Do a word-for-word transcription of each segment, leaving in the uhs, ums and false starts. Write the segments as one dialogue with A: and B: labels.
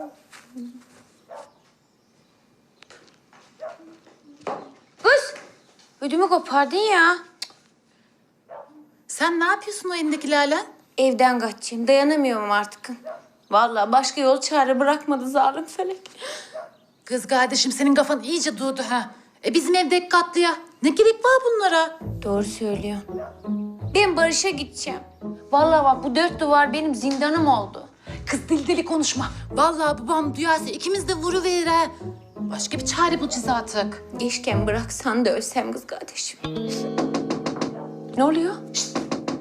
A: Kız, ödümü kopardın ya.
B: Sen ne yapıyorsun o elindeki Lalen?
A: Evden kaçayım, dayanamıyorum artık. Vallahi başka yol çare bırakmadı zalim felek.
B: Kız kardeşim senin kafan iyice durdu ha. E bizim evdeki katlıya ne gerek var bunlara?
A: Doğru söylüyorsun. Ben Barış'a gideceğim. Vallahi bak bu dört duvar benim zindanım oldu.
B: Kız deli deli konuşma. Vallahi babam duyarsa ikimiz de vuruverir ha. Başka bir çare bulacağız artık.
A: Geçken bıraksan da ölsem kız kardeşim. Ne oluyor? Şişt.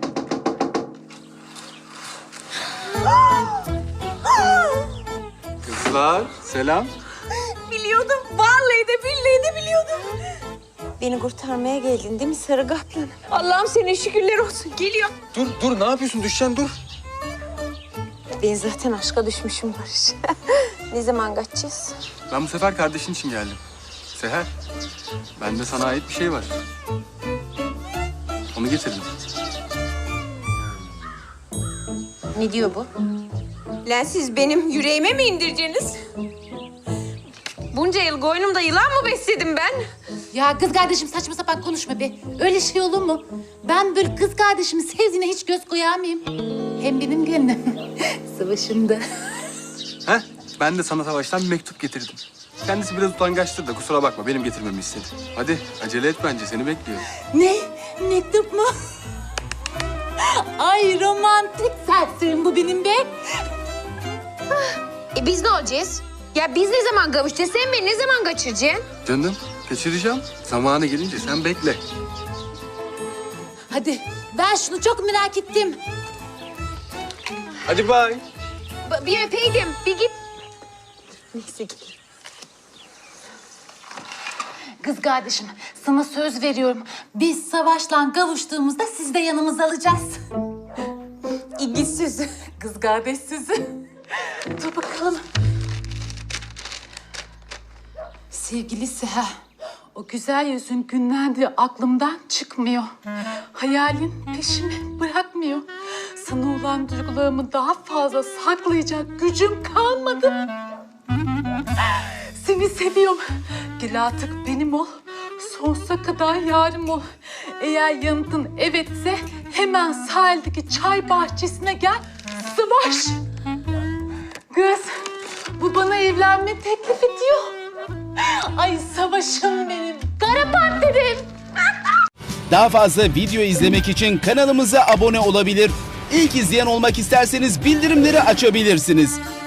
C: Kızlar, selam.
A: Biliyordum. Vallahi de billahi de biliyordum. Beni kurtarmaya geldin değil mi sarı kaplan? Allah'ım senin şükürler olsun. Geliyorum.
C: Dur, dur. Ne yapıyorsun? Düşeceksin, dur.
A: Ben zaten aşka düşmüşüm Barış. Ne zaman kaçacağız?
C: Ben bu sefer kardeşin için geldim. Seher, bende sana ait bir şey var. Onu getirdim.
A: Ne diyor bu? Lan siz benim yüreğime mi indireceksiniz? Bunca yıl koynumda yılan mı besledim ben?
B: Ya kız kardeşim saçma sapan konuşma be. Öyle şey olur mu? Ben böyle kız kardeşimi sevdiğine hiç göz koyar mıyım? Hem benim gönlüm savaşında.
C: Heh, ben de sana savaştan bir mektup getirdim. Kendisi biraz utangaçtır da kusura bakma benim getirmemi istedi. Hadi acele et bence seni bekliyor.
B: Ne? Mektup mu? Ay romantik serserim bu benim be.
A: E biz ne olacağız? Ya biz ne zaman kavuşacağız? Sen beni ne zaman kaçıracaksın?
C: Canım kaçıracağım. Zamanı gelince sen bekle.
B: Hadi ver şunu çok merak ettim.
C: Hadi bay.
A: Ba- bir öpeydim. Bir git. Neyse git.
B: Kız kardeşim sana söz veriyorum. Biz savaşla kavuştuğumuzda siz de yanımıza alacağız.
A: İlgiz sözü.
B: Kız kardeş sözü. Dur bakalım. Sevgili Seher, o güzel yüzün günlerdir aklımdan çıkmıyor. Hayalin peşimi bırakmıyor. Sana olan duygularımı daha fazla saklayacak gücüm kalmadı. Seni seviyorum. Gel artık benim ol. Sonsuza kadar yarım ol. Eğer yanıtın evetse hemen sahildeki çay bahçesine gel. Savaş. Kız, bu bana evlenme teklif ediyor. Ay savaşım benim, kara panterim.
D: Daha fazla video izlemek için kanalımıza abone olabilir. İlk izleyen olmak isterseniz bildirimleri açabilirsiniz.